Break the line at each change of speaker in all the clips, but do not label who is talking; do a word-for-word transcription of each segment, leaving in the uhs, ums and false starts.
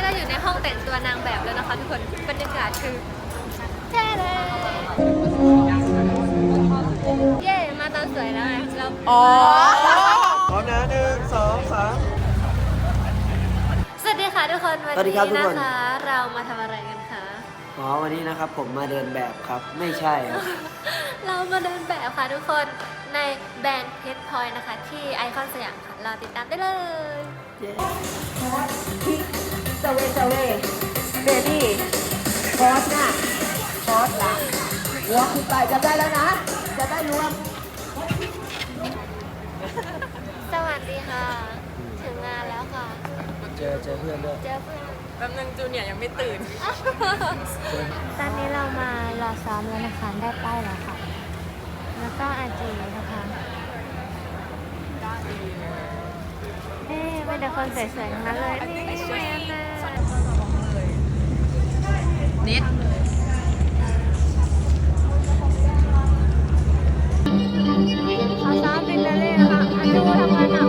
อยู่ในห้องแต่งตัวนางแบบแล้วนะคะทุกคนบรรยากาศคือแท้เลยเย่มาตอนสวยแล้วไงเราอ๋อ
พร้อมนะหนึ่งสองสาม
สวัสดีค่ะทุกคนวันนี้นะคะเรามาทำอะไรกันคะ
อ๋อวันนี้นะครับผมมาเดินแบบครับไม่ใช่ครับ
เรามาเดินแบบค่ะทุกคนในแบรนด์เพชรพลอยนะคะที่ไอคอนสยามค่ะรอติดตามได้เลย
สเวสเวเบบี้พอสหน้าพอสหลังวอล์กขึ้นไปจะได้แล้วนะจะได้รวม
สวัสดีค่ะถึงงานแล้วค่ะ
เจอเจอเพื่อนด้วย
เจอเพื่อน
แป๊บนึงจูเนียร์ยังไม่ตื่น
ตอนนี้เรามารอซ้อมแล้วนะคะได้ป้ายแล้วค่ะแล้วก็อาจีนะคะนี่เป็นแต่คนสวยๆทั้งนั้นเลยนี่แม่แม่
นิด
เขาซ้อมเป็นเดเล่นะคะอาจูทำงานหนัก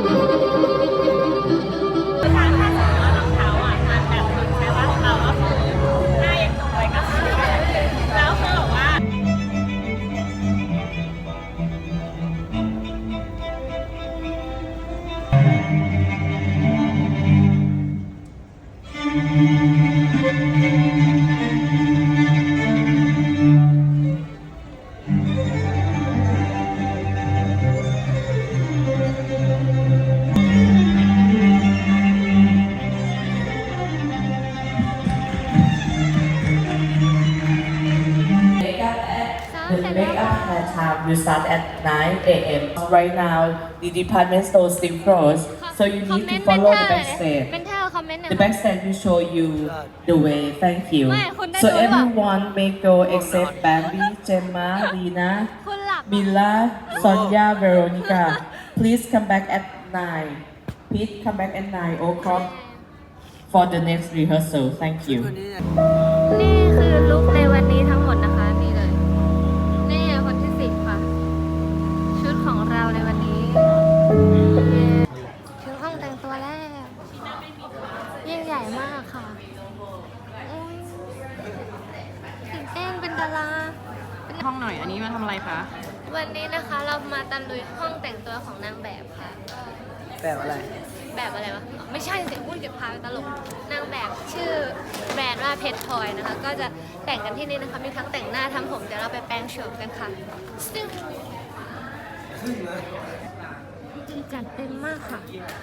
The makeup hair time will start at nine A M Right now, the department store still closed, so you need to follow the backstage. The backstage will show you the way. Thank you. So everyone may go except Bambi, Gemma, Lina, Mila, Sonia, Veronica. Please come back at nine. Please come back at nine o'clock for the next rehearsal. Thank you.
นี่คือลุคในวันนี้ทั้งหมดนะคะนี่เลยนี่คนที่สิบค่ะชุดของเราในวันนี้ถึงห้องแต่งตัวแล้วยิ่งใหญ่มากค่ะตื่นเต้นเป็นดารา
ห้องหน่อยอันนี้มาทำอะไรคะ
วันนี้นะคะเรามาตะลุยห้องแต่งตัวของนางแบบค่ะ
แบบอะไร
แบบอะไรวะไม่ใช่สิอุ้ยเดี๋ยวพาไปตลกนางแบบชื่อแบรนด์ว่าเพชรพลอยนะคะก็จะแต่งกันที่นี่นะคะมีทั้งแต่งหน้าทำผมเดี๋ยวเราไปแปรงโฉมกันค่ะซึ่งจัดเต็มมากค่ะ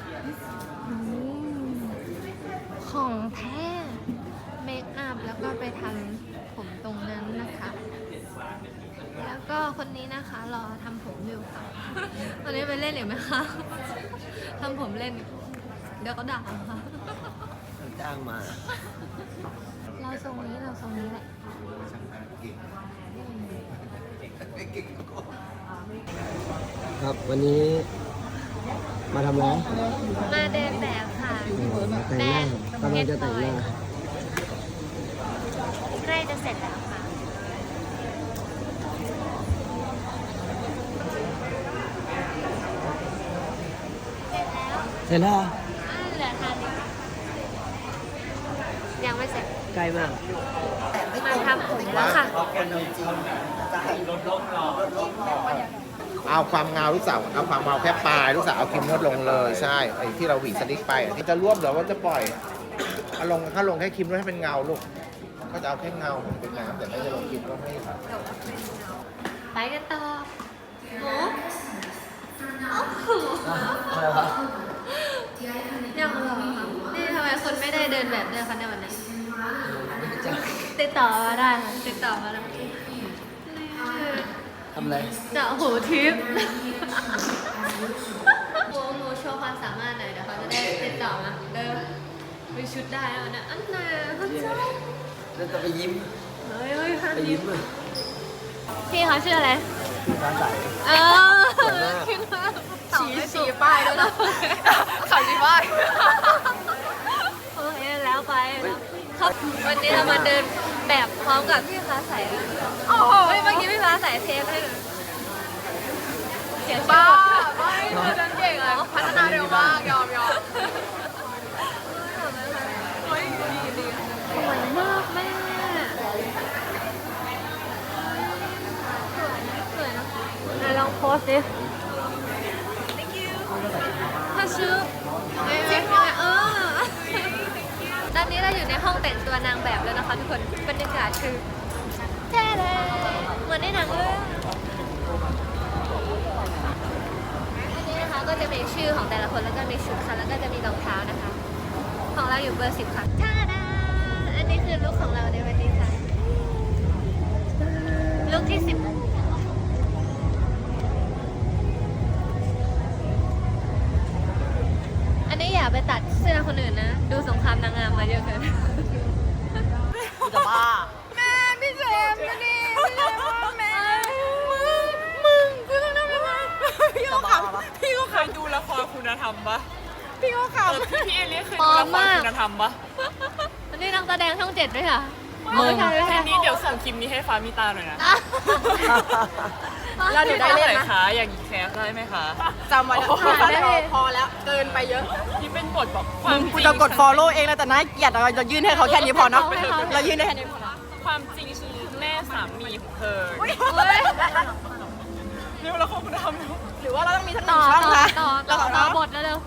ของแท้เมคอัพแล้วก็ไปทำผมตรงนั้นนะคะแล้วก็คนนี้นะคะรอทำผมอยู่ค่ะวันนี้ไปเล่นหรือไหมคะทำผมเล่นเดี๋ยวก็ด่าค่ะ
จ้างมา
เราทรงนี้เราทรงนี้แหละ
ครับวันนี้มาทำอะไร
มาเดินแบบค่ะ
แต่งหน้ากำลังจะแต่งหน้า
ใกล้จะเสร็จแล้วค่ะ
เสร็จแล้ว
เหลือทานยังไม่เสร็จ
ใกล้มาก
มาทำผมแล้วค่ะ
เอาความเงาลูกสาวเอาความเงาแค่ปลายลูกสาวเอาครีมนวดลงเลยใช่ไอ้ที่เราหวีสลิกไปที่จะรวบหรือว่าจะปล่อยเอาลงถ้าลงแค่ครีมนวดให้เป็นเงาลูกก็จะเอาแค่เงาเป็นน้ำแต่ไม่จะลงครีมนวดให้ค่ะ
ไปกันต่อโอ้ยังเหรอนี่ทำไมคนไม่ได้เดินแบบเดินคันในวันนี้ติดต่อมาได้ค่ะติดต่อมาแล้ว
ทำอะไร
เจาะหูทิพย์โมโมโชว์ความสามารถหน่อยเดี๋ยวเขาจะได้ติดต่อมาเดินไปชุดได้แล้วนะอันไหนพระเจ้า
แล้วจะไปยิ้ม
เฮ้ยเฮ้ย
ไปยิ้มเลย
พี่เขาชื่ออะไร
ร้านไหน
เออชี้ชี้ป้ายด้วยนะขอชี้ป้ายโอเคแล้วไปครับวันนี้เรามาเดินแบบพร้อมกับพี่ฟ้าใสโอ้โหเมื่อกี้พี่ฟ้าใสเทปให้เลยเสียชื่อไม่ไม่เดินเก่งเลยพัฒนาเร็วมากยอมยอมดีสวยมากแม่สวยนะไหนลองโพสดิถ้าชื่อจริงเลยเออตอนนี้เราอยู่ในห้องแต่งตัวนางแบบแล้วนะคะทุกคนบรรยากาศคือแท้เลยเหมือนในหนังเลยอันนี้นะคะก็จะมีชื่อของแต่ละคนแล้วก็มีชุดค่ะแล้วก็จะมีรองเท้านะคะของเราอยู่เบอร์สิบค่ะท่าดาอันนี้คือลุคของเราในวันนี้ค่ะลุคที่สิบอันนี้อย่าไปตัดเสื้อคนอื่นนะดูสงครามนางงามมาเยอะเกิน
จะบ้า
แม่พี่เจมส์นี่พี่เจมส์แม่มึงมึงกูต้องทำยังไง
พี่ก็ขำพี่ก็เคยดูละครคุณธรรมปะพี่ก็ขำพี่เอเลี่เคยดูละครคุณธรรมปะ
อันนี้นักแสดงช่องเจ็ดด้วยค่ะ
มึง
ไม่ใช่ไม่ใช่
ทีนี้เดี๋ยวส่งคลิปนี้ให้ฟ้ามีตาหน่อยนะ
แล้วหนูได้เล่น
ไหน
นะ
คะอย่างนี้แคสได้ไหมคะ
จำไว้แล้ว
ได้เลย
พอแล้วเกินไปเยอะ
ที่เป็นบทแบบความจ
กู
ริง
จะกด follow เองแล้วแต่น่าเกลียดอะเรายื่นให้เขาแค่นี้พอเนาะเรายื่นได้แค่นี้พอ
ความจริงคือแม่สามีของเธอ
เฮ้ย
เร็วละครคุณธรรมเร็ว
หรือว่าเราต้องมีทั้งหนึ่
ต่
ง
อ
ช่อง
ต่อ
คะ
ต่อต่อต่อบทแล้วเร็ว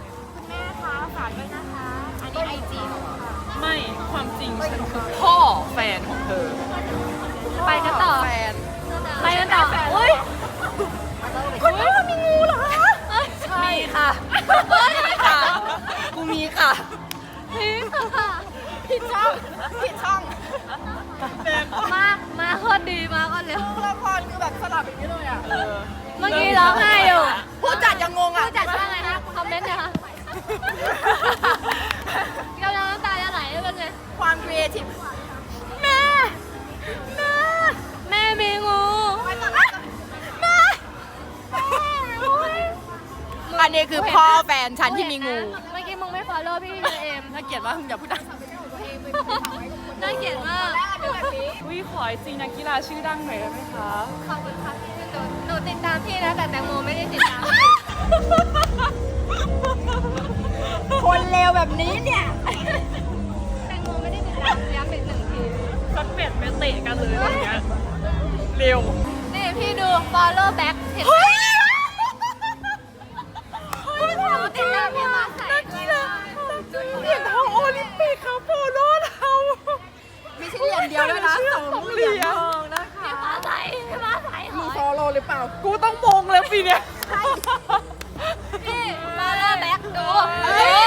ไม่ความจริงฉันคือพ่อแฟนของเธอ
ไปกันต่อ
แฟน
ไปกันต่ออุ้ย
คนนี้มีงูเหรอคะ
ใช่
มีค่ะมีค่ะกูมีค่ะ
นี่ค่ะ
ผิดช่องผิดช่อง
มามาโคตรดีมาก็เร็ว
ละครคือแบบสลับอย่างนี้เลยอ่ะ
เมื่อกี้ร้องไห้อยู่
ผู้จัดยังงงอ่ะ
ผู้จัดว่าไงนะคอมเมนต์นะคะกำลังน้ำตาจะไหลเป็นไง
ความครีเอทีฟ
แม่ แม่ แม่มีงู แม่
อันนี้คือพ่อแฟนฉันที่มีงู
เมื่อกี้มึงไม่ฟอลโล่พี่เอ็ม
น่าเกลียดว่ามึงอย่าพูดดัง
น่าเกลียดมาก
วิขอไอจีนักกีฬาชื่อดังหน่อยได้ไหมคะ
ขอบคุณค่ะพี่หนูหนูติดตามพี่นะแต่แตงโมไม่ได้ติดตาม
คนเลวแบบนี้เนี่ย
แตงโมไม่ได้ติดตามย้ำอีกหนึ่งที
สักเป็ดไปเตะกันเลยอย่างเงี้ยเร็ว
นี่พี่ดู follow back เห็นไหมหนูติดตามพี่มาใส่ด้วยนะ
เหรียญทองโอลิมปิกค่ะโปโลเรามีชิ้นเหรียญเดียวด้วยนะสองเหรียญทองนะคะ
พี่มาใส่พี่มาใส่ห
มี
อย
ฟอลโล่หรือเปล่า
กูต้องมงแล้วปีเนี้ย
นี่ follow back ดู
เฮ้ย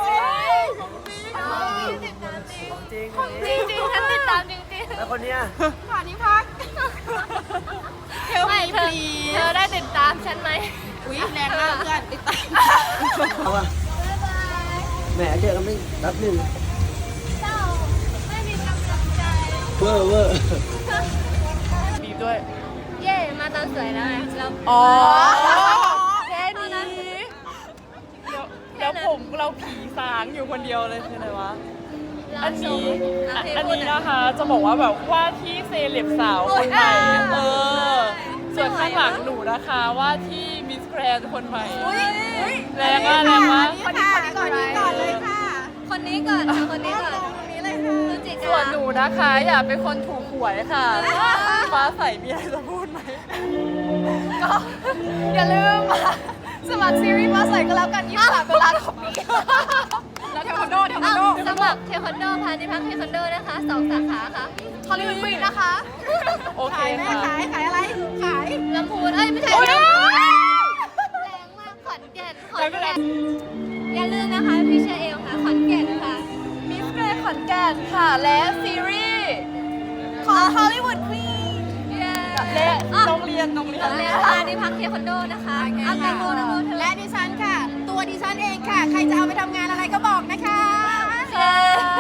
จริงจริงๆฉันติดตามจริงจริง
แล้วคนเนี้ย
ผ่านที่พักเฮล
ไม่
มี
เธ
พ
อ
ลี
เธอได้ติดตามฉันไหม
อุ้ยแรงมากเพื่อนติดตาม
เอาอะแหมเจอกันไม่แป๊บหนึ่ง
เจ้าไม่มีกำลังใจ
เวอร์เวอร์
ดีด้วย
เย่มาตอนสวยแล้วไงเรา
อ๋อ
แค่นี้
แล้วแล้วผมเราผีสางอยู่คนเดียวเลยคืออะไรวะ อันนี้อ่ะอันนี้นะคะ จะบอกว่าแบบว่าที่เซเลบสาวคนใหม่ เออ ส่วนข้างหลังหนูนะคะว่าที่มิสแกรนคนใหม่ แรงมากแรงมาก
คนนี้ก่อนนี้ก่อนเลยค่ะ
คนนี้ก่อนค่ะคนนี้ก่อน
ตรงนี้เลยค่ะ
พฤศจิกา
ส่วนหนูนะคะอยากเป็นคนถูกหวยค่ะ ฟ้าใสมีอะไรจะพูดไหม
ก็อย่าลืมสมัครซีรีส์มาใส่ก็แล้วกันยี่สิบสามตุลาคมนี้แล้วเทควันโดเทควันโด
เอ้าสมัครเทควันโดพาณิพักเทควันโดนะคะสองสาขาค่ะ
ฮอลลีวูดควีนนะคะ
โอเค
ขายแม่
ค่ะ
ขายขายอะไร ขาย
ลำพูนเอ้ยไม่ใช่
โอ๊ย
แรงมากขอนแก่นขอนแก่นอย่าลืมนะคะพี่เชอเอลค่ะขอนแก่นค่ะ
มิสแกรนด์ขอนแก่นค่ะ และซีรีส์ของฮอลลีวูดควีน
เย้
และ
อ่ะ
โรงเรียนโรงเรีย
โร
น
งเรียนพาณิพักเทควันโดนะคะเอาแตงโมแตงโมเธอ
และดิฉันค่ะ ตัวดิฉันเองค่ะ ใครจะเอาไปทำงานอะไรก็บอกนะคะ
เย้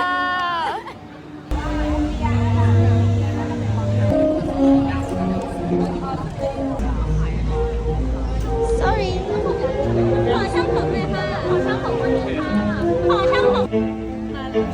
sorry ขอช่างผมเลยค่ะขอช่างผมคนนึงค่ะขอช่างผม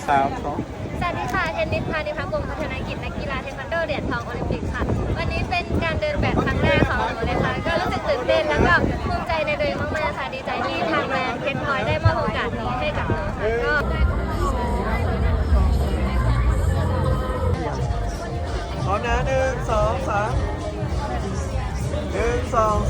สามสอง
สวัสดีค่ะ เทนนิสพาณิพักวงศ์พัฒนากิจนักกีฬาเทควันโดเหรียญทองโอลิมปิกค่ะ วันนี้เป็นการเดินแบบครั้งแรกของหนูเลยค่ะ ก็รู้สึกตื่นเต้นแล้วก็ภูมิใจในตัวเองมากๆค่ะ ดีใจที่ทางแบรนด์เพชรพลอยได้มอบโอกาสนี้ให้กับหนูค่ะก็
พร้อมนะหนึ่งสองสามหนึ่งสอง